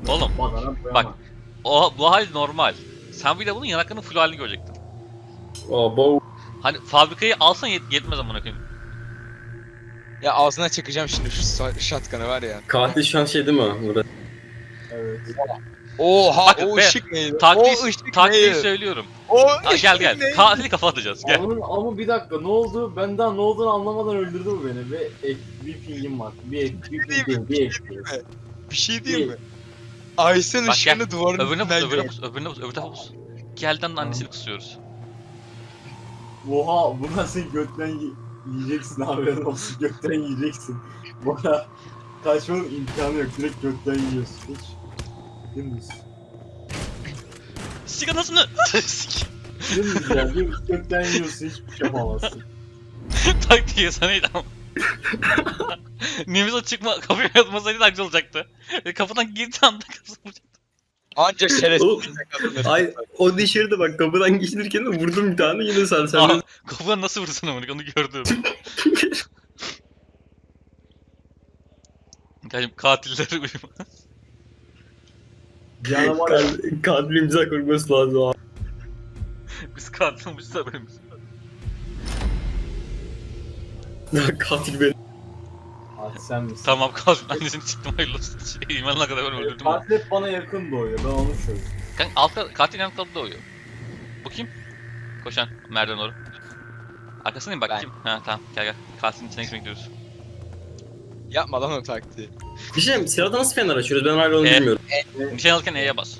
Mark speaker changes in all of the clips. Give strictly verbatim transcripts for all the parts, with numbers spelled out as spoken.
Speaker 1: Oğlum bak o bu hal normal. Sen bir de bunun yanaklarının full halini görecektin.
Speaker 2: Abo.
Speaker 1: Hani fabrikayı alsan yet yetmez amına koyayım.
Speaker 3: Ya ağzına çakacağım şimdi şu sa- shotgun'ı var ya.
Speaker 2: Katil şu an şey değil mi Murat?
Speaker 4: Evet.
Speaker 3: Oha
Speaker 1: Bakın
Speaker 3: o
Speaker 1: be,
Speaker 3: ışık neydi?
Speaker 1: Taktiği,
Speaker 3: o ışık
Speaker 1: taktiği
Speaker 3: neydi?
Speaker 1: söylüyorum.
Speaker 3: O
Speaker 1: Aa,
Speaker 3: ışık
Speaker 1: gel gel.
Speaker 3: neydi?
Speaker 1: Katili kafa atacağız. Gel.
Speaker 4: Ama, ama bir dakika ne oldu? Ben daha ne olduğunu anlamadan öldürdü bu beni ve ek, bir pingim var. Bir ek, bir ping değil, bir ek.
Speaker 3: Bir şey diyeyim mi? Aysen
Speaker 1: Bak gel.
Speaker 3: ışığını duvarın
Speaker 1: Öbürüne bus,
Speaker 3: üstünden
Speaker 1: öbürüne
Speaker 3: gör.
Speaker 1: bus, öbürüne bus, öbür tarafa bus. Gelden de annesini kısıyoruz.
Speaker 4: Oha bundan sen götten yi- yiyeceksin haberin olsun götten yiyeceksin. Bana kaçmanın imkanı yok direkt götten yiyorsun hiç. Dümdüz.
Speaker 1: Sik anasını! Sik.
Speaker 4: Dümdüz ya dümdüz götten yiyorsun hiçbir şey yapamazsın.
Speaker 1: Taktiği sana iyi ama. Nimiz o çıkma kapıya yatmasaydı da güzel olacaktı. Ve kapıdan girdiği anda kafasını vuracaktı.
Speaker 3: Anca
Speaker 2: Oğlum,
Speaker 3: şerefsizlik kazanır.
Speaker 2: Ay o dışarıda bak kapıdan geçirken de vurdum bir tane yine sen sen.
Speaker 1: Aa, kapıdan nasıl vurursun amına onu gördüm. Yani katilleri uyuma.
Speaker 4: Canavar ya.
Speaker 2: Katil, katil imza koyması lazım abi.
Speaker 1: Biz katilmişiz haberimiz.
Speaker 2: Katil beni.
Speaker 4: Hadi sen misin?
Speaker 1: Tamam katil annesini çıktım hayırlı olsun. Şey, imanına kadar ben öldürdüm onu.
Speaker 4: Katil hep bana yakın doğuyor ben onu söylüyorum.
Speaker 1: Kanka altta katil yan kaldı doğuyor. Bu kim? Koşan merdiven doğru. Arkasındayım bak
Speaker 3: Ben.
Speaker 1: kim? Ha tamam gel gel. Katilin içine girmek gidiyoruz.
Speaker 3: Yapma lan o taktiği.
Speaker 2: Bir şey diyeyim, silahda nasıl fener açıyoruz ben hala onu
Speaker 1: E.
Speaker 2: bilmiyorum.
Speaker 1: Nişan alırken E'ye bas.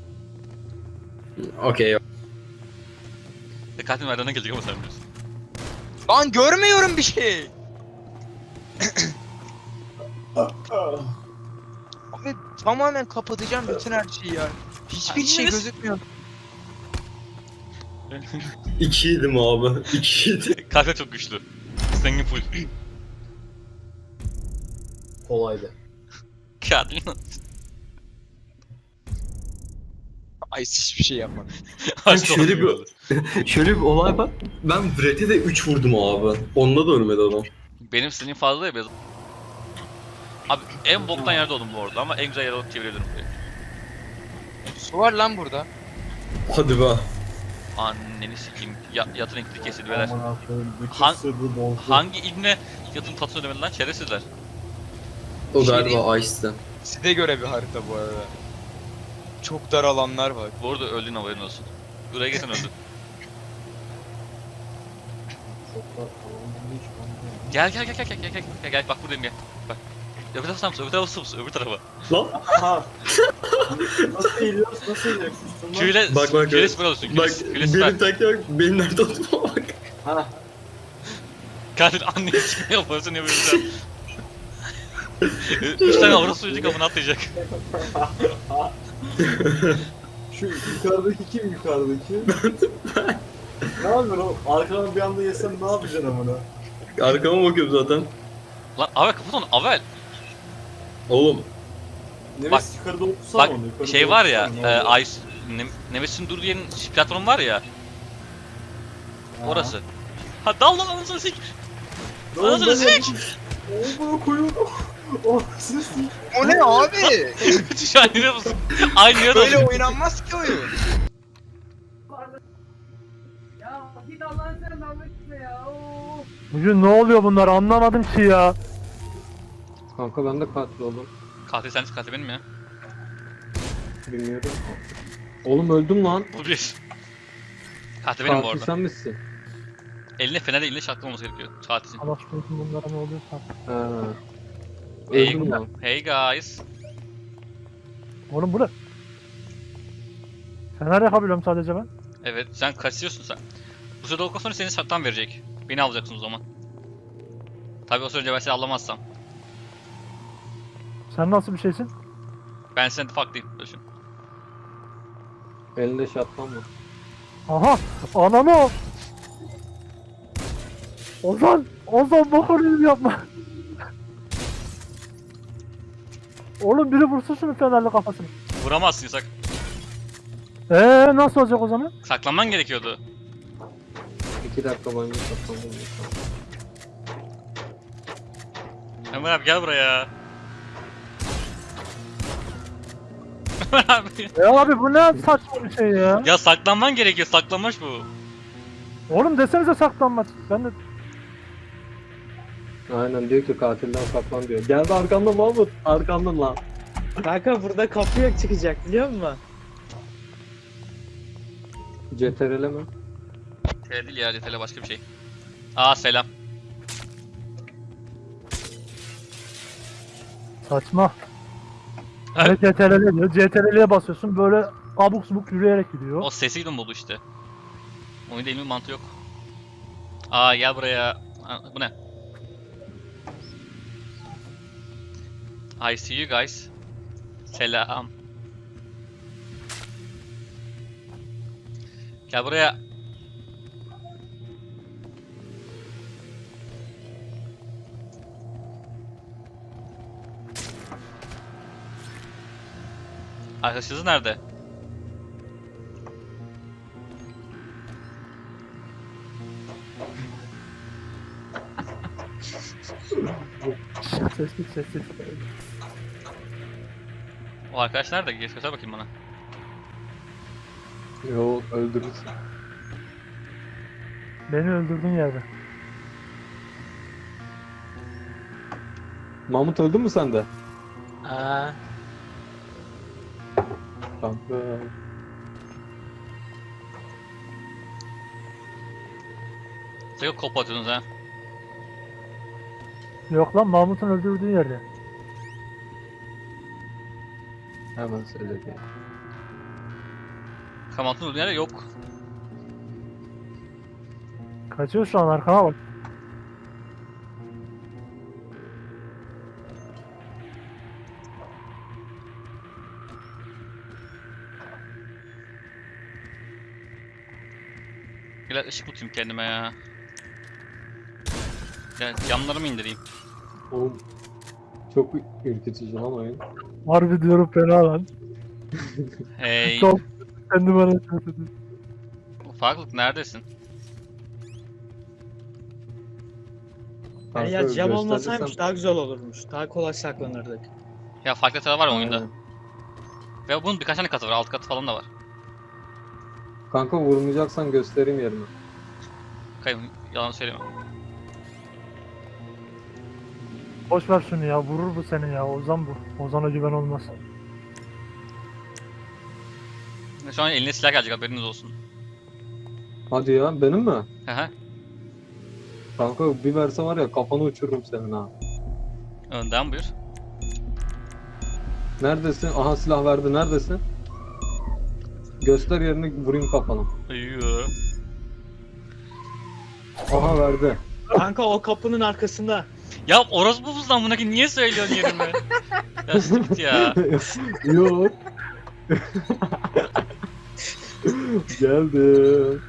Speaker 2: Okey.
Speaker 1: E, katil merdivene gelecek ama sen biliyorsun.
Speaker 3: Lan görmüyorum bir şey. Abi tamamen kapatacağım bütün her şeyi ya. Hiçbir şey
Speaker 1: Anneniz-
Speaker 3: gözükmüyor.
Speaker 2: İki yedim abi. İki yedim.
Speaker 1: Katil çok güçlü. Zengin full.
Speaker 4: Kolaydı.
Speaker 1: Katil.
Speaker 3: Ay hiçbir şey yapma.
Speaker 2: şöyle bir- Şöyle bir olay var. Ben Brett'e de üç vurdum abi. Onda da ölmedi adam.
Speaker 1: Benim sinirim fazla ya biraz. Abi en boktan yerde oldum bu arada ama en güzel yere alıp çevirebilirim burayı.
Speaker 3: Su var lan burada.
Speaker 2: Hadi be.
Speaker 1: Anneni sikeyim. Ya, yatın renkli kesildi beyler.
Speaker 4: Aman Allah'ım bütün
Speaker 1: Han-
Speaker 4: sırrı bozdu.
Speaker 1: Hangi ibne yatın tatlısını ödemedi lan şerefsizler.
Speaker 2: O
Speaker 3: Bir şey
Speaker 2: galiba Ice'den.
Speaker 3: Size göre bir harita bu arada. Çok dar alanlar var.
Speaker 1: Bu arada öldüğün haberin olsun. Buraya gelsen öldün.
Speaker 4: Çok da tamam hiç anlamıyorum.
Speaker 1: Gel gel gel gel gel gel gel gel gel bak buradayım gel. Bak. Öbür tarafa mısın? Öbür tarafa mısın? Öbür tarafa.
Speaker 2: Lan
Speaker 4: Aha. Nasıl eğiliyoruz nasıl eğiliyoruz?
Speaker 1: Küyle,
Speaker 2: Bak, bak,
Speaker 1: küyle
Speaker 2: bak.
Speaker 1: süper olsun.
Speaker 2: bak
Speaker 1: Küyle, küyle süper.
Speaker 2: benim taktiğe bak. Benim nerede olduğuma bak.
Speaker 4: Ha.
Speaker 1: Katil anneni sikme yaparsın ya böyle. Üç tane avrat suyucu kapını atlayacak.
Speaker 4: Şu yukarıdaki kim yukarıdaki? Ne yapıyorsun o? Arkadan bir anda yesem ne yapacaksın amına?
Speaker 2: Arkama bakıyorum zaten.
Speaker 1: Lan Avel kapat onu Avel.
Speaker 2: Oğlum.
Speaker 4: Neves
Speaker 1: Bak,
Speaker 4: yukarıda okusana
Speaker 1: Bak
Speaker 4: onu. Yukarıda
Speaker 1: şey var ya,
Speaker 4: okusana, ne
Speaker 1: e,
Speaker 4: olur.
Speaker 1: Ice, ne, Nemesis'in durduğu yerin platformu var ya,
Speaker 4: Ha.
Speaker 1: orası. Ha dal lan anasını sik.
Speaker 4: Ne oldu
Speaker 1: Anasını
Speaker 4: lan?
Speaker 1: sik.
Speaker 4: Oo bunu koyuyorum. Oh siz sik.
Speaker 3: O ne abi?
Speaker 1: Şu an yine musun? Aynı yere
Speaker 3: Böyle
Speaker 1: oldu.
Speaker 3: oynanmaz ki oyun.
Speaker 5: Ya git Allah'ın sen dalga gitme ya. Oo.
Speaker 6: Bugün ne oluyor bunlar anlamadım ki ya.
Speaker 7: Kanka ben de katil oldum.
Speaker 1: Katil sensin katil benim ya.
Speaker 7: Bilmiyorum. Oğlum öldüm lan.
Speaker 1: Bu bir. Katil benim bu
Speaker 7: Katil
Speaker 1: arada.
Speaker 7: sen misin?
Speaker 1: Eline fenerle eline şartlı olması gerekiyor. Katilsin.
Speaker 6: Allah korusun bunlara ne oluyorsa.
Speaker 7: Ha.
Speaker 1: Hey,
Speaker 7: Öldüm lan.
Speaker 1: hey guys.
Speaker 6: Oğlum bu ne? Fener yakabiliyorum sadece ben.
Speaker 1: Evet sen kaçıyorsun sen. Bu sırada okul sonra seni sattan verecek. Beni alacaksın o zaman. Tabii o süre önce ben seni alamazsam.
Speaker 6: Sen nasıl bir şeysin?
Speaker 1: Ben seni farklıyım. Düşün.
Speaker 7: Elinde şatlan mı?
Speaker 6: Aha! Ananı o! Ozan! Ozan bakıyorum yapma! Oğlum biri vursun şunu fenerli kafasını.
Speaker 1: Vuramazsın yasak.
Speaker 6: Eee nasıl olacak o zaman?
Speaker 1: Saklanman gerekiyordu.
Speaker 7: İki dakika boyunca şatlandım.
Speaker 1: Ömer abi gel buraya. Abi.
Speaker 6: Ya abi bu ne saçma bir şey ya.
Speaker 1: Ya saklanman gerekiyor. Saklanmaç bu.
Speaker 6: Oğlum desenize saklanmaz. Ben de
Speaker 7: Aynen diyor ki katilden saklan diyor. Geldi arkamda Mahmut. Arkamda lan.
Speaker 8: Kanka burada kapı yok çıkacak biliyor musun?
Speaker 7: C T R L mi?
Speaker 1: Tele değil ya, tele başka bir şey. Aa selam.
Speaker 6: saçma.
Speaker 1: Evet.
Speaker 6: Evet. C T R L diyor. C T R L'ye basıyorsun böyle abuk subuk yürüyerek gidiyor.
Speaker 1: O sesi mi buldu işte. Oyunda ilmi mantığı yok. Aa gel buraya. Aa, bu ne? I see you guys. Selam. Gel buraya. Arkadaşınız nerede?
Speaker 6: Sessiz sessiz.
Speaker 1: O arkadaş nerede? Geç göster bakayım bana.
Speaker 7: Yok öldürürsün.
Speaker 6: Beni öldürdüğün yerde.
Speaker 7: Mahmut öldü mü sen de?
Speaker 8: Aa,
Speaker 7: Kanka.
Speaker 1: Sakın kop atıyorsunuz ha.
Speaker 6: Yok lan Mahmut'un öldürdüğü yerde.
Speaker 7: Hemen söyledi.
Speaker 1: Kamatın olduğu yerde yok.
Speaker 6: Kaçıyor şu an arkana bak.
Speaker 1: Biraz ışık tutayım kendime ya. Ya camlarımı indireyim.
Speaker 7: Oğlum. Çok ürkütücü lan oyun.
Speaker 6: Harbi diyorum fena lan.
Speaker 1: Hey.
Speaker 6: Çok kendi bana kötü.
Speaker 1: Ufaklık neredesin?
Speaker 8: yani
Speaker 7: Kanka,
Speaker 8: ya cam olmasaymış
Speaker 7: gösterirsem-
Speaker 8: daha güzel olurmuş. Daha kolay saklanırdık.
Speaker 1: Ya farklı haritalar var ya oyunda.
Speaker 7: Aynen.
Speaker 1: Ve bunun birkaç tane katı var. Alt katı falan da var.
Speaker 7: Kanka vurmayacaksan göstereyim yerini.
Speaker 1: Kayın yalan söyleme.
Speaker 6: Boş ver şunu ya vurur bu seni ya Ozan bu. Ozan'a güven olmaz.
Speaker 1: Şu an eline silah gelecek, haberiniz olsun.
Speaker 7: Hadi ya benim mi?
Speaker 1: Hı hı.
Speaker 7: Kanka bir verse var ya kafanı uçururum senin ha.
Speaker 1: Önden buyur.
Speaker 7: Neredesin? Aha silah verdi neredesin? Göster yerini vurayım kafana.
Speaker 1: Yoo.
Speaker 7: Aha verdi.
Speaker 8: Kanka o kapının arkasında.
Speaker 1: Ya orospu buzdan buna niye söylüyorsun yerimi? Ya sus git ya.
Speaker 7: Yok. Geldim.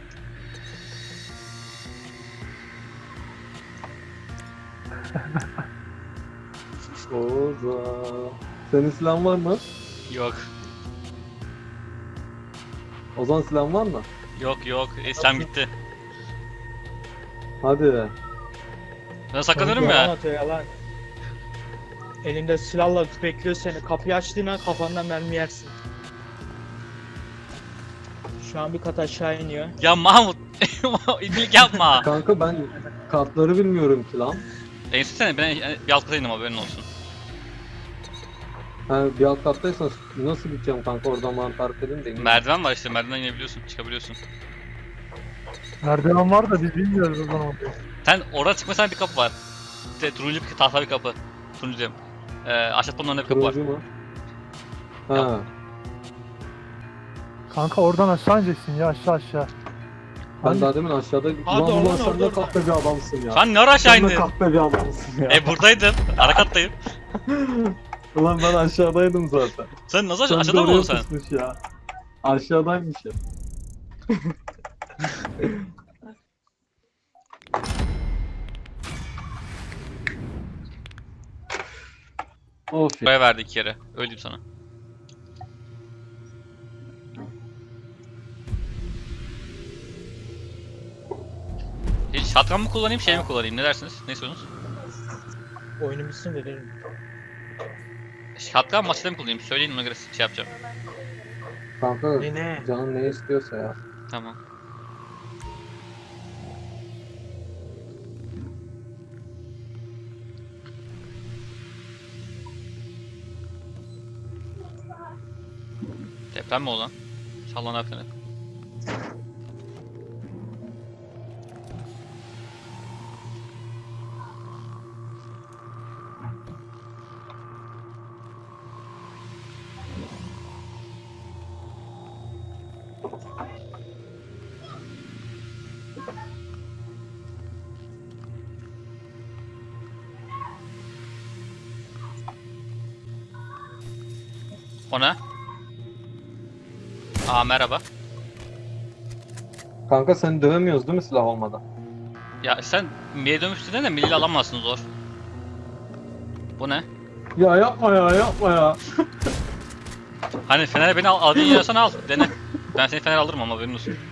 Speaker 7: Oza. Senin silahın var mı?
Speaker 1: Yok.
Speaker 7: Ozan silahın var mı?
Speaker 1: Yok yok. İslam gitti.
Speaker 7: Hadi.
Speaker 1: Ben saklanıyorum
Speaker 8: Yalan
Speaker 1: ya.
Speaker 8: atıyor yalan. Elinde silahla bekliyor seni. Kapıyı açtığın an kafandan mermi yersin. Şu an bir kat aşağı iniyor.
Speaker 1: Ya Mahmut. İlgilik yapma.
Speaker 7: Kanka ben kartları bilmiyorum ki lan.
Speaker 1: Enstitü sene ben bir alt kata indim, haberin olsun.
Speaker 7: Ha, bir alt kattaysan nasıl gideceğim kanka oradan bana tarif edin de. ineyim.
Speaker 1: Merdiven var işte, merdivenden inebiliyorsun, çıkabiliyorsun.
Speaker 6: Merdiven var da biz bilmiyoruz o zaman.
Speaker 1: Sen oradan çıkmasan bir kapı var. İşte turuncu bir tahta bir kapı. Turuncu diyorum. Ee, aşağıda önünde bir kapı var.
Speaker 7: Turuncu mu? Ha.
Speaker 6: Kanka oradan aşağı ineceksin ya aşağı aşağı.
Speaker 7: Ben
Speaker 6: Hangi-
Speaker 7: daha demin aşağıdaydım.
Speaker 8: Hadi
Speaker 7: Ulan
Speaker 8: oradan,
Speaker 7: ulan sen
Speaker 8: oradan.
Speaker 7: de kahpe bir adamsın ya.
Speaker 1: Sen ne ara aşağı
Speaker 7: Sen de
Speaker 1: indin?
Speaker 7: kahpe bir adamsın ya.
Speaker 1: E buradaydım. Ara kattayım.
Speaker 7: Ulan ben aşağıdaydım zaten.
Speaker 1: Sen nasıl
Speaker 7: Sen
Speaker 1: aşağı,
Speaker 7: de
Speaker 1: aşağıda mı
Speaker 7: oraya
Speaker 1: oldun sen?
Speaker 7: pusmuş ya. Aşağıdaymış ya. Of ya.
Speaker 1: Buraya verdi iki kere. Öyle diyeyim sana. Hiç shotgun mı kullanayım, şey mi kullanayım? Ne dersiniz? Ne istiyorsunuz?
Speaker 8: Oyunu bitsin de derim.
Speaker 1: Hatta maçta mı kullanayım? Söyleyin ona göre şey yapacağım.
Speaker 7: Kanka
Speaker 8: Ne ne?
Speaker 7: canın ne istiyorsa ya.
Speaker 1: Tamam. Deprem mi o lan? Sallanan falan. O ne? Aa merhaba.
Speaker 7: Kanka seni dövemiyoruz değil mi silah olmadan?
Speaker 1: Ya sen Mi'ye dönmüştün de Milli'yle alamazsın zor. Bu ne?
Speaker 7: Ya yapma ya yapma ya.
Speaker 1: Hani Fener'e beni al, al diye yiyorsan al, dene. Ben seni Fener alırım ama haberin olsun.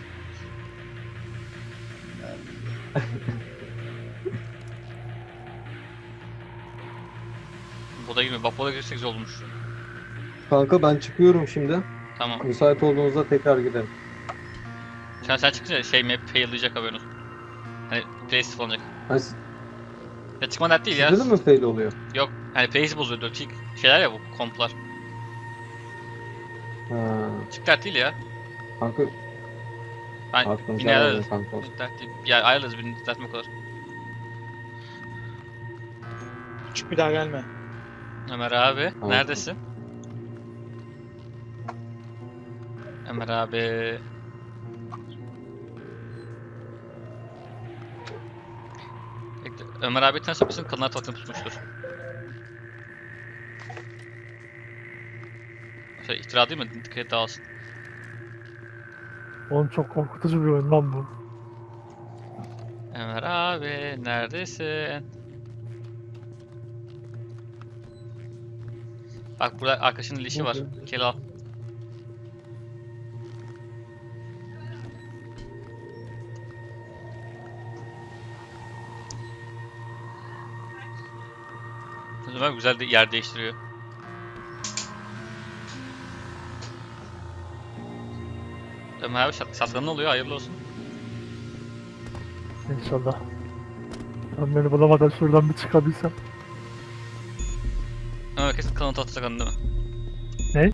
Speaker 1: Boda girmiyor, bak boda girsek güzel olmuş.
Speaker 7: Kanka ben çıkıyorum şimdi.
Speaker 1: Tamam.
Speaker 7: Müsait olduğunuzda tekrar gidelim.
Speaker 1: Sen sen çıkınca şey map fail'layacak haberin olsun. Hani place olacak.
Speaker 7: Hani s-
Speaker 1: Ya çıkma dert değil ya.
Speaker 7: sizde de mi fail oluyor?
Speaker 1: Yok, hani place bozuyor, dört şeyler ya bu komplar.
Speaker 7: Ha,
Speaker 1: Çık dert değil ya.
Speaker 7: kanka
Speaker 1: Ben
Speaker 7: aklınıza
Speaker 1: yine
Speaker 7: helal
Speaker 1: ayarlarız.
Speaker 7: olsun kanka.
Speaker 1: Dert değil. Ya ayarlarız birini düzeltme o kadar.
Speaker 8: Küçük bir daha gelme.
Speaker 1: Ömer abi,
Speaker 7: Tamam.
Speaker 1: neredesin? Ömer abi. Bekle, Ömer abi tanışıp mısın? Kadınlar tuvaletini tutmuştur. Şey, iftira değil mi? Dikkat et dağılsın.
Speaker 6: Oğlum çok korkutucu bir oyun lan bu.
Speaker 1: Ömer abi, neredesin? Bak burada arkadaşının lişi var. Gel al. Ömer güzel de yer değiştiriyor. Ömer abi şat şatkanın oluyor, hayırlı olsun.
Speaker 6: İnşallah. Ben beni bulamadan şuradan bir çıkabilsem.
Speaker 1: Ömer kesin kanıt atacak değil mi?
Speaker 6: Ne?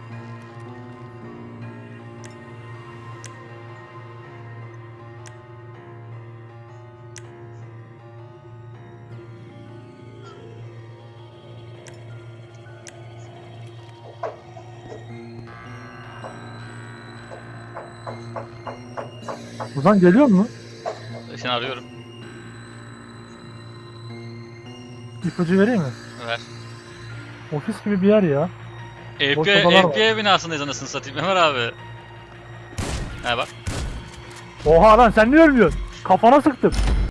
Speaker 6: Ozan geliyor mu?
Speaker 1: Seni arıyorum.
Speaker 6: İpucu vereyim mi?
Speaker 1: Ver.
Speaker 6: Ofis gibi bir yer ya. Boş
Speaker 1: F B I,
Speaker 6: odalar var.
Speaker 1: F B I binasındayız anasını satayım Ömer abi. He bak.
Speaker 6: Oha lan sen niye ölmüyorsun? Kafana sıktım.